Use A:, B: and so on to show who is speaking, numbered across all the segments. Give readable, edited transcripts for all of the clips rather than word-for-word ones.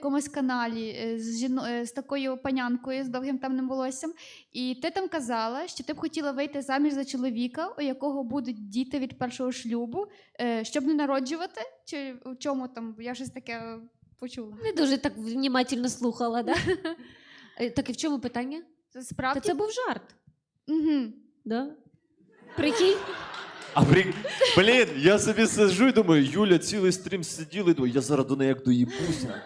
A: якомусь каналі з такою панянкою з довгим темним волоссям, і ти там казала, що ти б хотіла вийти заміж за чоловіка, у якого будуть діти від першого шлюбу, щоб не народжувати? Чи в чому там? Я щось таке почула.
B: Не дуже так внімательно слухала, да? Так і в чому питання?
A: Справді?
B: Та це був жарт.
A: Угу.
B: Да? Прикинь?
C: Блін, я собі сиджу і думаю, Юля цілий стрім сиділа і думаю, я зараз до неї як доїбуся.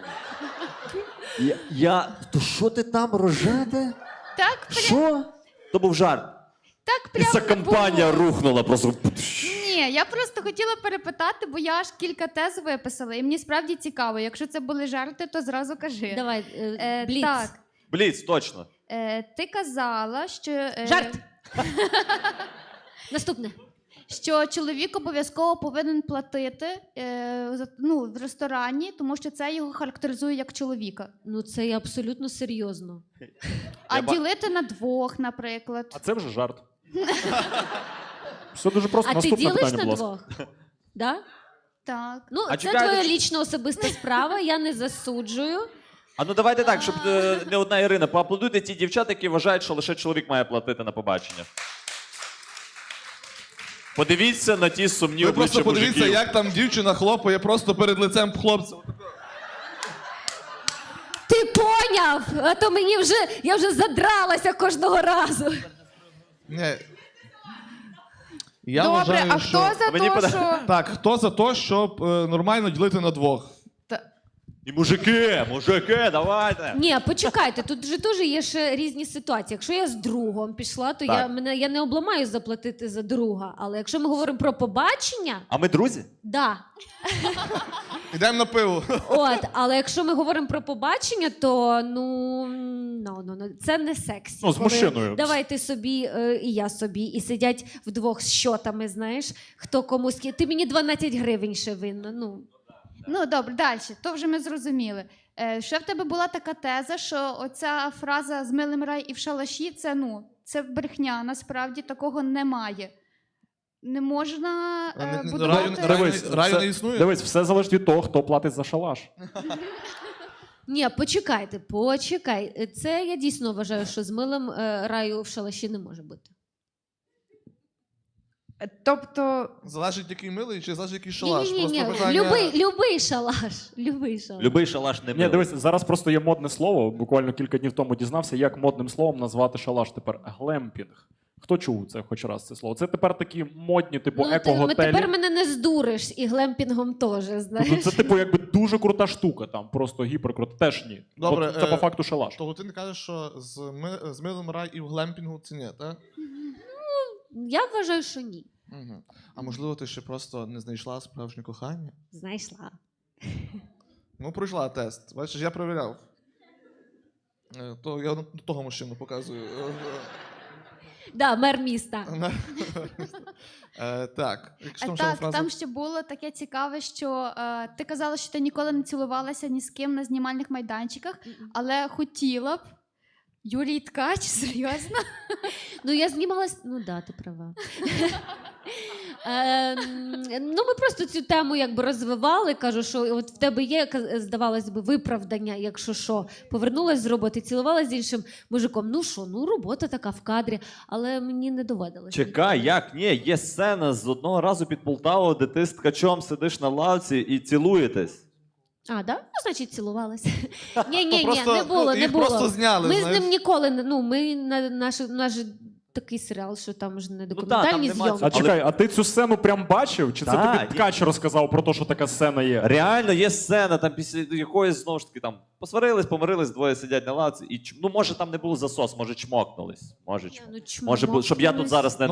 C: То що ти там рожете?
A: Так,
C: Що? То був жарт.
A: так
C: І ця
A: прямо
C: компанія
A: було.
C: рухнула просто.
A: Ні, я просто хотіла перепитати, бо я аж кілька тез виписала, і мені справді цікаво. Якщо це були жарти, то зразу кажи.
B: Давай, бліц.
A: Так,
C: Бліц, точно.
A: ти казала, що...
B: Жарт! Наступне.
A: Що чоловік обов'язково повинен платити в ресторані, тому що це його характеризує як чоловіка.
B: Ну, це я абсолютно серйозно.
A: А ділити на двох, наприклад.
D: А це вже жарт. Все дуже просто.
B: А ти
D: Наступне
B: ділиш
D: питання,
B: на
D: будь ласка.
B: двох? Да?
A: Так.
B: Ну,
C: А
B: це
C: чекайте,
B: твоя
C: чи-
B: лічна особиста справа, я не засуджую.
C: А ну давайте так, щоб не одна Ірина. Поаплодуйте ті дівчата, які вважають, що лише чоловік має платити на побачення. Подивіться на ті сумні
E: Ви
C: обличчя
E: просто подивіться,
C: мужиків.
E: як там дівчина хлопає просто перед лицем хлопця.
B: Ти поняв? А то я вже задралася кожного разу.
E: Ні. Я
A: Добре,
E: вважаю,
A: а
E: що...
A: хто за
C: Мені
A: те,
C: пода-
A: що...
E: Так, хто за те, щоб нормально ділити на двох?
C: І мужики, давайте.
B: Ні, почекайте, тут же теж є ще різні ситуації. Якщо я з другом пішла, то
C: Так.
B: я не обламаю заплатити за друга. Але якщо ми говоримо про побачення,
C: А ми друзі?
B: да.
E: Ідемо на пиво.
B: От, але якщо ми говоримо про побачення, то це не сексі.
D: Ну, з
B: Коли
D: мужчиною.
B: Давай ти собі і я собі, і сидять вдвох з щотами, знаєш, хто комусь. Ти мені 12 гривень ще винна.
A: Ну, добре, далі. То вже ми зрозуміли. Ще в тебе була така теза, що оця фраза «з милим рай і в шалаші» це брехня. Насправді такого немає. Не можна будувати...
E: Раю не існує?
D: Дивись, все залежить від того, хто платить за шалаш.
B: Ні, почекай. Це я дійсно вважаю, що з милим раю в шалаші не може бути.
A: Тобто...
E: Залежить, який милий, чи залежить, який шалаш?
B: Ні.
E: Просто питання...
B: Любий шалаш. Любий шалаш.
C: Любий шалаш не
D: Ні,
C: милий.
D: дивись, зараз просто є модне слово. Буквально кілька днів тому дізнався, як модним словом назвати шалаш тепер. Глемпінг. Хто чув це хоч раз це слово? Це тепер такі модні, типу, еко-готелі.
B: Тепер мене не здуриш і глемпінгом теж, знаєш.
D: Ну, це, типу, якби дуже крута штука, там, просто гіперкрута. Теж ні.
E: Добре,
D: Це по факту шалаш.
E: Того ти не кажеш, що з милим рай і в глемпінгу це ні, так?
B: Я вважаю, що ні.
E: Угу. А можливо, ти ще просто не знайшла справжнє кохання?
B: Знайшла.
E: Ну, пройшла тест. Бачиш, я перевіряв. То я того мужчину показую.
B: Да, мер міста.
E: Так. Якщо там ще
A: Так,
E: фраза...
A: там ще було таке цікаве, що ти казала, що ти ніколи не цілувалася ні з ким на знімальних майданчиках, але хотіла б. Юрій Ткач, серйозно?
B: Ну, я знімалась. Ну, да, ти права. Ми просто цю тему якби розвивали. Кажу, що от в тебе є, здавалось би, виправдання, якщо що. Повернулась з роботи, цілувалась з іншим мужиком. Ну що, робота така в кадрі, але мені не доводилося.
C: Чекай, як? Ні, є сцена з одного разу під Полтавою, де ти з ткачом сидиш на лавці і цілуєтесь.
B: А, да? Ну, значить, цілувалася. Ні,
E: просто,
B: не було,
E: їх
B: не було.
E: просто зняли,
B: Ми з
E: знаєш.
B: ним ніколи не. Наш такий серіал, що там ж не
C: там
B: документальні
C: нема
B: зйомки.
D: А чекай, а ти цю сцену прям бачив? Чи це
C: Так,
D: тобі ткач розказав про те, що така сцена є?
C: Реально є сцена, там після якоїсь, знову ж таки, там посварились, помирились, двоє сидять на лавці. І, може там не було засос, може чмокнулись. Може,
B: Ну,
C: може, щоб я тут зараз не